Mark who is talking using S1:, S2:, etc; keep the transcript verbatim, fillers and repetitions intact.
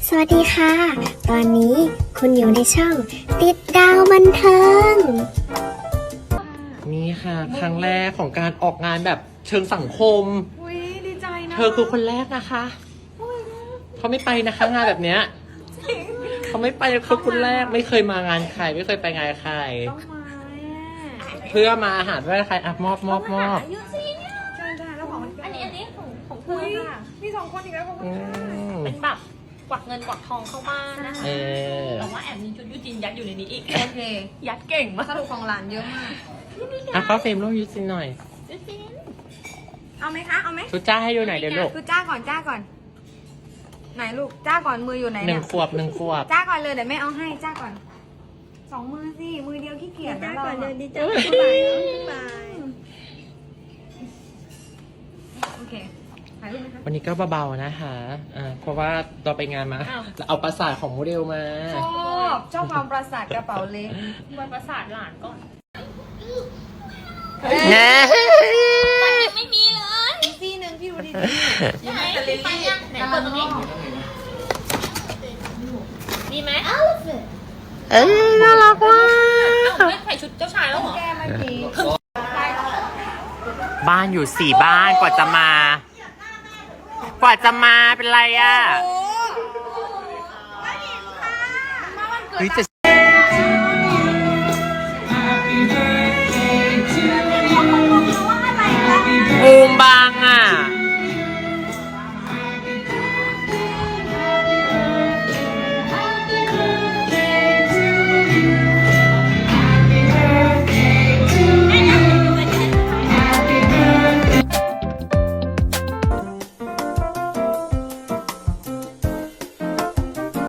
S1: สวัสดีค่ะ ตอนนี้คุณอยู่ในช่องติดดาวบันเทิง
S2: นี่ค่ะครั้งแรกของการออกงานแบบเชิงสังคม
S3: อุ้ยดีใจนะ
S2: เธอคือคนแรกนะคะเขาไม่ไปนะคะงานแบบเนี้ยเขาไม่ไปเขาคนแรกไม่เคยมางานใครไม่เคยไปงานใคร
S3: ต้องมา
S2: เพื่อมาอาหารด้วยใครอ่ะมอบมอบมอบ
S3: ใช่ใช่แล้วของ
S4: อันนี้อันนี้ของของเธ
S3: อุ้
S4: อย ค่ะ
S3: มีสองคนอีกแล้วของ
S2: อืม
S4: เป็นแบบกวักเงินกวักทองเข้าบ้านนะคะ
S2: เออ
S4: แต่ว่าแอบมีชุดยูจินยัดอยู่ในนี้อีก
S3: โอเค
S4: ยัดเก่งมาก
S3: สรุปของหลานเยอะมาก
S2: อ่ะเข้าเฟรมรูปยูซินหน่อย
S4: ยูจิน
S3: เอาไหมคะเอาไหม
S2: ชุดจ้าให้ดูหน่อยเดี๋ยวลูก
S3: คือจ้าก่อนจ้าก่อน ไหนลูกจ้าก่อนมืออยู่ไหน
S2: ห
S3: เนี่
S2: นึ่
S3: ย
S2: งขวบหนึ่งขวบ
S3: จ้าก่อนเลยเดี๋ยวแม่เอาให้จ้าก่อนสองมือสิมือเดียวขี้เกียจนะเราอะโอเคถ่ายรูปไหมคะ
S2: วันนี้ก็เบาๆนะคะอ่าเพราะว่าเราไปงานมาเราเอาประสาทของโมเดลมา
S3: ชอบชอบความประสาทกระเป๋าเล็ก
S4: วันประสาทหลานก่อน
S2: แน่
S4: มันยังไม่มีเลย
S3: อีกซี่หนึ่งพี่ดูดี
S4: ใช่ไหมไปยังไหนเปิดตรงนี้มีไหม
S2: เอ้ยน่ารักว่ะ
S4: เอ้าไม่ใส่ชุดเจ้าชายแล้วเหรอ
S3: แก้ไม่มี
S2: บ้านอยู่สี่บ้านกว่าจะมา กว่าจะมาเป็นไรอ่ะเฮ้ยจะ